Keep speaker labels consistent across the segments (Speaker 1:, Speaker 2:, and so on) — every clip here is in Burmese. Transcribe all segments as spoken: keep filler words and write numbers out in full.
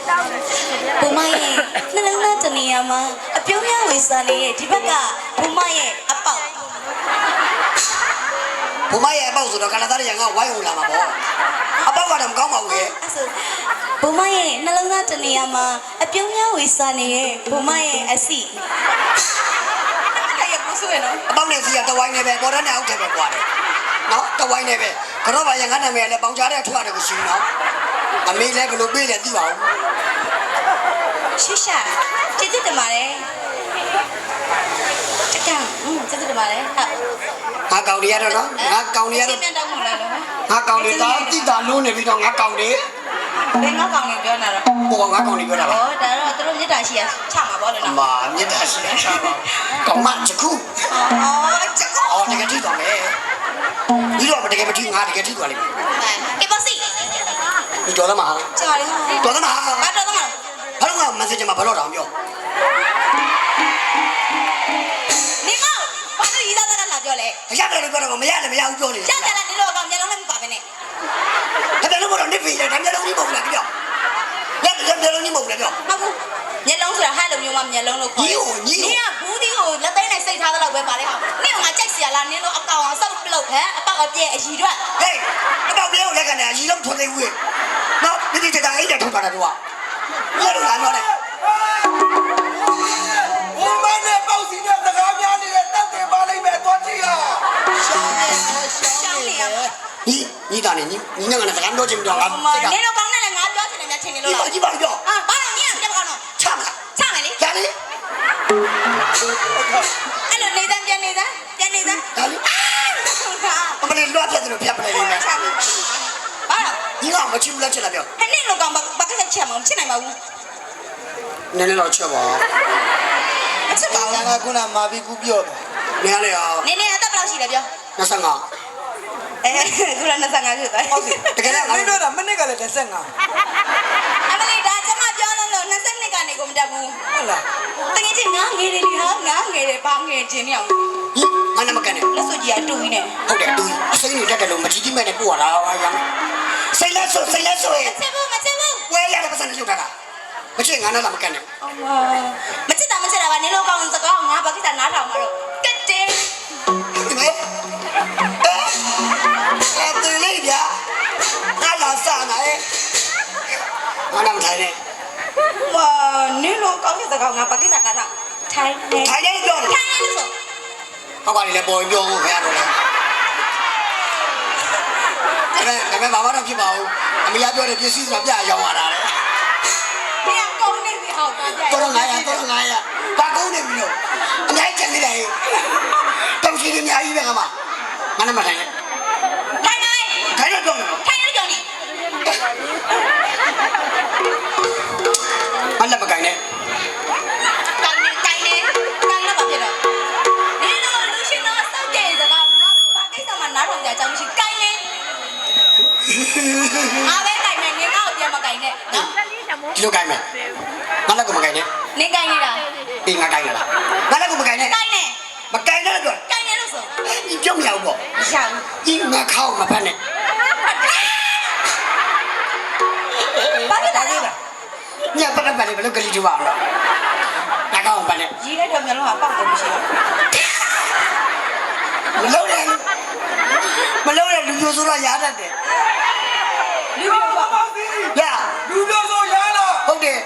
Speaker 1: ဘုမရဲ့နှလုံးသားတနေရာမှာအပြုံးရဝေစာနေတဲ့ဒီဘက်ကဘုမရဲ့အပေါက်
Speaker 2: ဘုမရဲ့အပေါက်ဆိုတော့ကနသားရငါဝိုင်းဝင်လာမှာပေါ့အပေါက်ကတော့မကောင်းပါဘူးရဲ့
Speaker 1: အဲ့ဆိုဘုမရဲ့နှလုံးသားတနေရာမှာအပြုံးရဝေစာနေတဲ့ဘုမရဲ့အစီအဲ့ရကိုဆိုရနော်
Speaker 2: အပေါက်နဲ့စီကတဝိုင်းနေပဲပေါ်တဲ့နဲ့အောက်ထဲပဲကွာတယ်နော်တဝိုင်းနေပဲကတော့ပါရငါနာမည်လည်းပေါင်ချတဲ့ထွက်ရတယ်ကိုရှိနော်အမေလည်းဘယ်လိုပြေးလဲသိပါဦး
Speaker 1: ရှရှာကျေးဇူးတင်ပါတယ်တကံอืมကျေးဇူးတင်ပါတယ်ဟုတ်
Speaker 2: ငါကောင်တွေရတော့နော်ငါကောင်တွေရတော့
Speaker 1: ပြန်တောင်းမှလာလို့
Speaker 2: ငါကောင်တွေတော့တိတာလုံးနေပြီးတော့ငါကောင်တွေ
Speaker 1: ဘယ်ငါကောင်တွေပြောနေတာ
Speaker 2: တော့ဘောငါကောင်တွေပြောတာလား
Speaker 1: ဟောဒါတော့သူတို့မြတ်တာရှိရချမှာပေါ့လေနော်
Speaker 2: မာမြတ်တာရှိရချမှာကောင်မချခု
Speaker 1: အော်ချခု
Speaker 2: အော်တကယ်ကြည့်တော့မယ်ဒီတော့တကယ်မကြည့်ငါတကယ်ကြည့်သွားလိမ့်မယ်
Speaker 1: ကေပါစီ
Speaker 2: ဒီတော်သမား
Speaker 1: ကြာရ
Speaker 2: ဟတော်သမား
Speaker 1: ဘာတော်သမား
Speaker 2: ဘာလို့ငါ message မှာဘယ်တော့တောင်ပြော
Speaker 1: နေမောဘာလို့ရီးသားသားလာပြောလဲ
Speaker 2: ရတယ်လို့ပြောတော့မရလည်းမရဘူးပြောနေ
Speaker 1: တယ်ရတယ်နေတော့ကောင်မျက်လုံးလည်းမပါပဲနဲ့
Speaker 2: ဒါလည်းဘောတော့နေပြီလေဒါမျက်လုံးကြီးမဟုတ်လားပြောလက်လက်မျက်လုံးကြီးမဟုတ်လားပြော
Speaker 1: ဟုတ်ဘူးမျက်လုံးဆိုတာဟဲ့လိုမျိုးမှမျက်လုံးလို့ခေါ်တယ်
Speaker 2: ညီ
Speaker 1: နင်ကဘူးဒီကိုလက်သိမ်းနဲ့စိတ်ထားသလောက်ပဲပါလေဟာနင်ကငါကြိုက်စီရလားနင်တို့အကောင်အောင်စောက်ပလုတ်ဟဲ့အပေါက်အပြည့်အရီတော့
Speaker 2: ဟေးအပေါက်ပြည့်ကိုလက်ကနေအရီလုံးထွန်နေဦးနော်ဒီဒီတတာအိတ်နဲ့ထုတ်တာတော့ဘယ်လိုလာတော့လဲ
Speaker 3: ဘုမနဲ့ပေါ့စီနဲ့စကားများနေတဲ့တက်တယ်ပါလိမ့်မယ်သွားကြည့်ရ
Speaker 2: ရှောင်းနေရှောင်းနေညီညီတာနေညီညီငါနဲ့စကားပြောချင်တော့ငါ
Speaker 1: နင်တို့ကောင်းနဲ့လည်းငါပြောချင်တယ်များချင်နေလို့လား
Speaker 2: ကြည့်ပါပြော
Speaker 1: ဟာဘာလို့ညီကပြောကောင်းတော့
Speaker 2: ချမလား
Speaker 1: ချမယ်လေ
Speaker 2: ရလေ
Speaker 1: အဲ့လိုနေသားပြန်နေသားပြန်နေသား
Speaker 2: ဒါလေအမလေးလွှတ်ပြတယ်လို့ဖြတ်ပလိုက်နေမယ်
Speaker 1: ဘာလို့
Speaker 2: ညီကမချစ်ဘူးလားချစ်လားပြော
Speaker 1: ဟဲ့နင်တို့ကောင်းဘာဘာကချက်ချက်မချစ်နိုင်ပါဘူး
Speaker 2: နည်းနည်းတော့ချက်ပါ
Speaker 1: အချက်ပါ
Speaker 3: ငါကခုနမာပြီးကူပြောတယ်
Speaker 2: နည်းလေအောင်
Speaker 1: နင်းနေအသက်ဘယ်လောက်ရှိလဲပြော
Speaker 2: နှစ်ဆယ့်ငါ
Speaker 1: အဲခုနနှစ်ဆယ့်ငါဖြစ်သွား
Speaker 2: ဟုတ်ကဲ့တကယ်လည်း
Speaker 3: မင်းပြောတာမနစ်ကလည်းနှစ်ဆယ့်ငါ
Speaker 1: အမလေးဒါကျမပြောလို့လို့နှစ်ဆယ့်နှစ်ကနေကိုမတက်ဘူး
Speaker 3: ဟုတ်လား
Speaker 1: တကယ်ချင်းငါငယ်တယ်ဒီဟာငါငယ်တယ်ဘာငယ်ချင်းနေအောင်
Speaker 2: ဟင်ငါနဲ့မကန်နဲ့
Speaker 1: လက်စွပ်ကြီးအတူကြီးနဲ့
Speaker 2: ဟုတ်တယ်အတူကြီးစိတ်နေတက်တယ်လို့မကြည့်ကြည့်မဲ့နဲ့ပို့ရတာဟာရမ်းစိတ်လက်ဆိုစိတ်လက်ဆို
Speaker 1: မချစ်ဘူးမချစ်ဘူး
Speaker 2: ဝဲရတဲ့ပတ်စံနဲ့လုပ်တာမချစ်ငါနဲ့လာမကန်နဲ့
Speaker 1: အော်မချစ်တာမချစ်တာပါနင်တို့ကောင်းစကားငါဘာကိစ္စနားထောင်မှာတော့ကတ်တယ်
Speaker 2: ဒီမဲ့အဲ့တူလေးဗျာငါလာစားနေငါနာမထိုင်နဲ့
Speaker 1: မာနင်တို့ကောင်းစကားငါဘာကိစ္စနားထောင်ထိုင်နေ
Speaker 2: ထိုင်နေပြောတယ်
Speaker 1: ထိုင်နေလို့ဆို
Speaker 2: ဟောပါလေလေပေါ်ပြောဖို့ခင်ဗျားတို့လေဒါပေမဲ့ဒါပေမဲ့ဘာမှတော့ဖြစ်ပါဘူးအမေကပြောတယ်ပစ္စည်းဆိုတာပြရောင်းရတာလေ
Speaker 1: ပြန်ကုန်နေပြီဟောတာကြ
Speaker 2: တော့ငါရတော့ငါရဘာကုန်နေပြီလို့အများကြီးချက်နေတယ်တောင်ရှိနေအများကြီးပဲကမငါနဲ့မထိုင်နဲ့
Speaker 1: ထိုင်နေ
Speaker 2: ထိုင်ရတော့
Speaker 1: ထိုင်နေကြောင်းနေ
Speaker 2: မလက်မကိုင်နဲ့
Speaker 1: ကိုင်နေကိုင်နေကိုင်တော့ဘာဖြစ်တော့နင်တို့လူရှင်တော့စောက်ကြစကားငါဘာကိစ္စမှနားထောင်ကြအကြောင်းမရှိကိုင်နေအားပဲကိုင်နေနင်ကတော့ပြန်မကိုင်နဲ့နော်
Speaker 2: ဒီလိုကိုင်မယ်ငါလည်းကိုမကိုင်နဲ့
Speaker 1: နင်ကိုင်နေတာ
Speaker 2: ဒီငါကိုင်လားငါလည်းကိုမကိုင်နဲ့
Speaker 1: ကိုင်နေ
Speaker 2: မကိုင်နဲ့တော့
Speaker 1: ကိုင်နေလို့ဆို
Speaker 2: ဒီပြုံးမရဘူးပေါ့
Speaker 1: မရဘူး
Speaker 2: ဒီငါခေါင်းမဖက်နဲ့
Speaker 1: ဘာဖြစ်တာလဲ
Speaker 2: ညပတ်ပတ်လေးဘယ်လိုကလေးတူပါအောင်လဲငါခေါင်းမဖက်နဲ့
Speaker 1: ကြီးလိုက်တော့မျိုးလုံးကပေါက်ကုန်မရှိ
Speaker 2: ဘူးမလုံးနဲ့မလုံးနဲ့လူမျိုးဆိုတော့ရားတတ်တယ်
Speaker 1: လူမျိုးပါပါ
Speaker 3: စီ
Speaker 2: ရ
Speaker 3: လူမျိုးဆိုရားလား
Speaker 2: ဟုတ်တယ်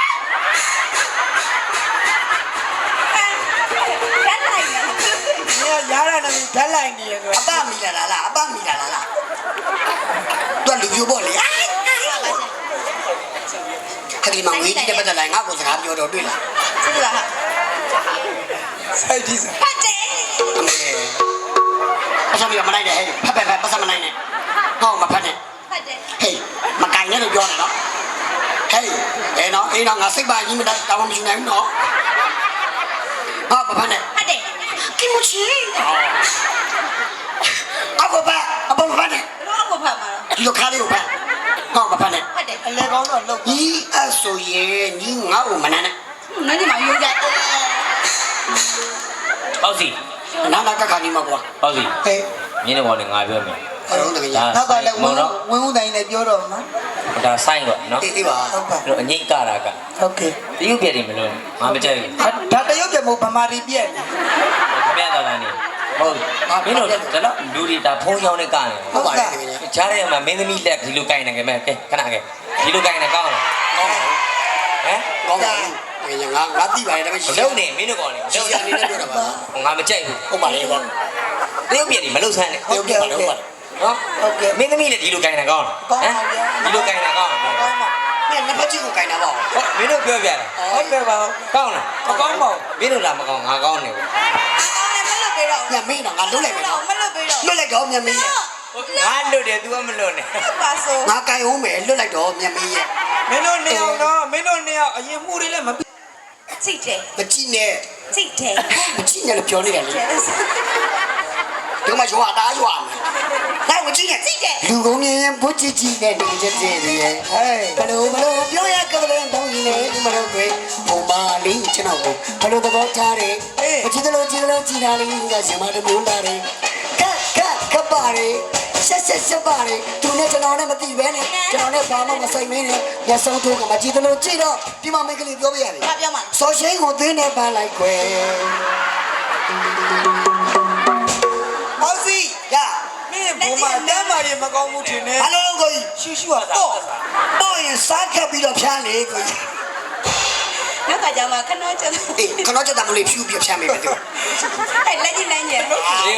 Speaker 3: ရရတာနဲ့ဓာတ်လိုက်နေရဆို
Speaker 2: အပမီလာလားလားအပမီလာလားလားတော့လူမျိုးပေါ့လေခက်ဒီမှာဝေးတဲ့ပတ်သက်လိုက်ငါ့ကိုစကားပြောတော့တွေ့လား
Speaker 1: စစ်လားဟာ
Speaker 3: စိုက်ကြည့်စမ်း
Speaker 1: ဖတ်တယ်
Speaker 2: အမေအဆောင်ရမနိုင်နဲ့ဟဲ့ဖတ်ဖတ်ဖတ်ပတ်စမနိုင်နဲ့ဟောမဖတ်နဲ့
Speaker 1: ဖတ်တယ်
Speaker 2: ဟေးမကင်နဲ့လို့ပြောတယ်နော်ဟေးအဲနော်အေးနော်ငါစိတ်ပါကြီးမတောင်းမယူနိုင်ဘူးနော်ဟာမဖတ်နဲ့
Speaker 1: ဖတ်တယ်
Speaker 2: 気持ちいいအဘဘာအဘဘာနဲ့
Speaker 1: တော့အဘဘာမှာ
Speaker 2: ဒီလိုခါလေးကိုဖတ်ဟောမဖတ်နဲ့
Speaker 1: ဖတ်တယ်
Speaker 3: အလဲကောင်းတော့လုပ်
Speaker 2: ညီအဆိုရင်ညီငါ့ကိုမနမ်းနဲ့
Speaker 1: နန်းဒီမှာရိုးကြတယ်
Speaker 4: ပေါ့စီ
Speaker 2: နာနာကခါနေမှာကွာ
Speaker 4: ပေါ့စီ
Speaker 3: ဟဲ့
Speaker 4: မင်းတို့ကလည်းငါပြောမယ်
Speaker 2: အဲ့တော့တကယ်
Speaker 3: နောက်ကလည်းဝင်းဝင်းဝင်းတိုင်းနဲ့ပြောတော့မှာ
Speaker 4: ဒါဆိုင်တော့နော်
Speaker 2: အေးအေးပါ
Speaker 3: ဟုတ်ပါ
Speaker 4: တို့အငိတ်ကတာက
Speaker 3: ဟုတ်ကဲ့
Speaker 4: တရုတ်ပြည်တယ်မလို့ငါမကြိုက်ဘူး
Speaker 3: ဒါတရုတ်ပြည်မို့ဗမာရီပြက်
Speaker 4: ခင်ဗျားသာသာနေဟုတ်မင်းတို့ဒါတော့လူတွေဒါဖုံးရောင်းနေကတယ်
Speaker 2: ဟုတ်ပါတယ်ခင်ဗျာ
Speaker 4: ချားတဲ့မှာမင်းသမီးလက်ဒီလိုကိုင်နေကြမယ်ကဲခဏကဲဒီလိုကိုင်နေကောင်းလား
Speaker 2: ကောင်းပါ
Speaker 4: ဟမ်
Speaker 2: ကောင်းပါအေးငါငါသိပါတယ်ဒါပေမဲ့
Speaker 4: မလုံနေမင်းတို့ကောင်းနေ
Speaker 2: ရှိရနေနဲ့ပြောတာပါ
Speaker 4: ငါမကြိုက်ဘူး
Speaker 2: ဟုတ်ပါလေကော
Speaker 4: တရုတ်ပြည်တယ်မလုံဆန်းနဲ့
Speaker 2: တရုတ်ပြည်ပါတော့ပါ
Speaker 4: နော်
Speaker 3: ဟုတ်ကဲ့
Speaker 4: မင်းသမီးလက်ဒီလိုကိုင်နေကောင်းလား
Speaker 3: ကောင်းပါဗျာ
Speaker 4: ဒီလိုကိုင်နေကောင်းလား
Speaker 3: ကောင်းပါ
Speaker 2: မင်းနှစ်ဖက်ကြီးကိုခိုင်းတာပါ
Speaker 4: ဟုတ်မင်းတို့ပြောပြတာ
Speaker 3: ဟုတ်ကဲ့ပါ
Speaker 4: ကောင်းလား
Speaker 3: မကောင်းပါဘူး
Speaker 4: မင်းတို့လားမကောင်းငါကောင်းနေဘူး
Speaker 1: အကောင်းလည်းမလွတ်ပေးတော့
Speaker 2: ညမင်းတော့ငါလွတ်လိုက်မယ်နော်
Speaker 1: မလွတ်ပေးတော့
Speaker 2: လွတ်လိုက်တော့ညမင်းရဲ့
Speaker 4: ငါလွတ်တယ် तू ကမလွတ်နဲ့
Speaker 1: ပါဆို
Speaker 2: ငါကြိုင်အောင်မယ်လွတ်လိုက်တော့ညမင်းရဲ့
Speaker 3: မင်းတို့နေအောင်တော့မင်းတို့နေအောင်အရင်မှုတွေလည်းမပြီး
Speaker 1: ကြည့်တယ်
Speaker 2: မကြည့်နဲ့
Speaker 1: ကြည့်တယ်
Speaker 2: မကြည့်နဲ့လို့ပြောနေတယ်လေဒီမှာရွာသားရွာမယ်နိုင်မကြည့်နဲ့
Speaker 1: ကြည့်တယ်
Speaker 2: လူကုန်မြင်ရင်ဘုချစ်ကြည့်နဲ့နေချက်တည်းရဲ့
Speaker 3: ဟဲ့
Speaker 2: ဘလို့ဘလို့ပြောရကလေးတောင်းရင်လည်းဒီမလို့ပဲဘုံပါလေးကျွန်တော်ကိုဘလို့သဘောထားတယ်မကြည့်တယ်လို့ကြည့်တယ်လို့ကြည်တာလေးကရှင်မတို့မျိုးလာတယ်ကက်ကက်ကပ်ပါလေဆက်ဆက်ဆက်ပါလေသူနဲ့ကျွန်တော်နဲ့မသိပဲနဲ့ကျွန်တော်နဲ့ဘာမှမဆိုင်မင်းနဲ့ညဆုံးထိုးကမကြည့်တယ်လို့ကြည့်တော့ဒီမှာမိတ်ကလေးပြောပြရတယ်
Speaker 1: ဘာပြောမှာ
Speaker 2: စော်ရှိန်ကိုသင်းနဲ့ပန်းလိုက်ခွဲ
Speaker 3: ပေါ့စီ
Speaker 2: ရ
Speaker 3: မင်းဘုံမှာတမ်းမာရင်မကောင်းဘူးထင်တယ်
Speaker 2: ဘာလို့ကိုကြီး
Speaker 3: ရှူရှူဟာတော့
Speaker 2: ပေါ့ရင်စားခက်ပြီးတော့ဖြန်းလေကိုကြီး
Speaker 1: နောက်ကကြောင်မှာခဏချက်
Speaker 2: အေးခဏချက်တမလေးဖြူပြဖြန်းမိမယ်သူ
Speaker 1: အဲ့လက်ကြီးနိုင်ရဲ့
Speaker 4: ဒီ